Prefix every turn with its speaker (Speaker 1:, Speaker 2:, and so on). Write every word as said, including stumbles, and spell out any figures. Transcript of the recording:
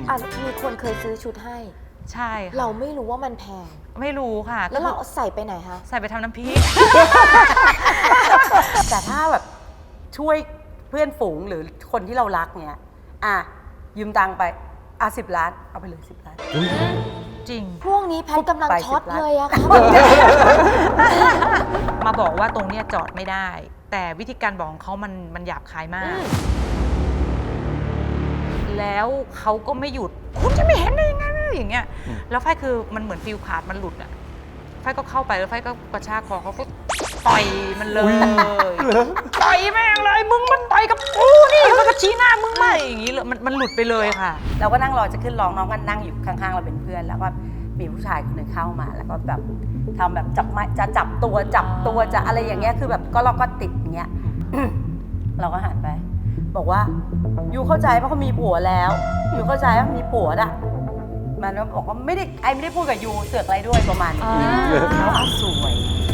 Speaker 1: อ่ะมีคนเคยซื้อชุดให้
Speaker 2: ใช่ค่ะ
Speaker 1: เราไม่รู้ว่ามันแพง
Speaker 2: ไม่รู้ค่ะ
Speaker 1: แล้วเราใส่ไปไหนคะ
Speaker 2: ใส่ไปทำน้ำพริก
Speaker 3: แต่ถ้าแบบช่วยเพื่อนฝูงหรือคนที่เรารักเนี้ยอ่ะยืมตังค์ไปอ่ะสิบล้านเอาไปเลยสิบล้าน
Speaker 2: จริง
Speaker 1: พวกนี้แพทกำลังช็อตเลยอะค่ะ
Speaker 2: มาบอกว่าตรงเนี้ยจอดไม่ได้ แต่วิธีการบอกของเขามันมันหยาบคายมาก แล้วเขาก็ไม่หยุดคุณจะไม่เห็นได้ยังไงอย่างเงี้ยแล้วไฟคือมันเหมือนฟิวขาดมันหลุดอ่ะไฟก็เข้าไปแล้วไฟก็กระชากคอเขาก็ต่อยมันเลยต่อยแม่งเลยมึงมันต่อยกับกูนี่มันก็ชี้หน้ามึงไม่อย่างงี้เลยมันมันหลุดไปเลยค่ะ
Speaker 3: เราก็นั่งรอจะขึ้นร้องน้องก็นั่งอยู่ข้างๆเราเป็นเพื่อนแล้วก็มีผู้ชายคนหนึ่งเข้ามาแล้วก็แบบทำแบบจับไม้จะจับตัวจับตัวจะอะไรอย่างเงี้ยคือแบบก็เราก็ติดอย่างเงี้ย เราก็หันไปบอกว่ายูเข้าใจว่าเขามีผัวแล้วยูเข้าใจว่ามีผัวอ่ะมันก็บอกว่าไม่ได้ไอไม่ได้พูดกับยูเสือกอะไรด้วยประมาณนี้แล้วสวย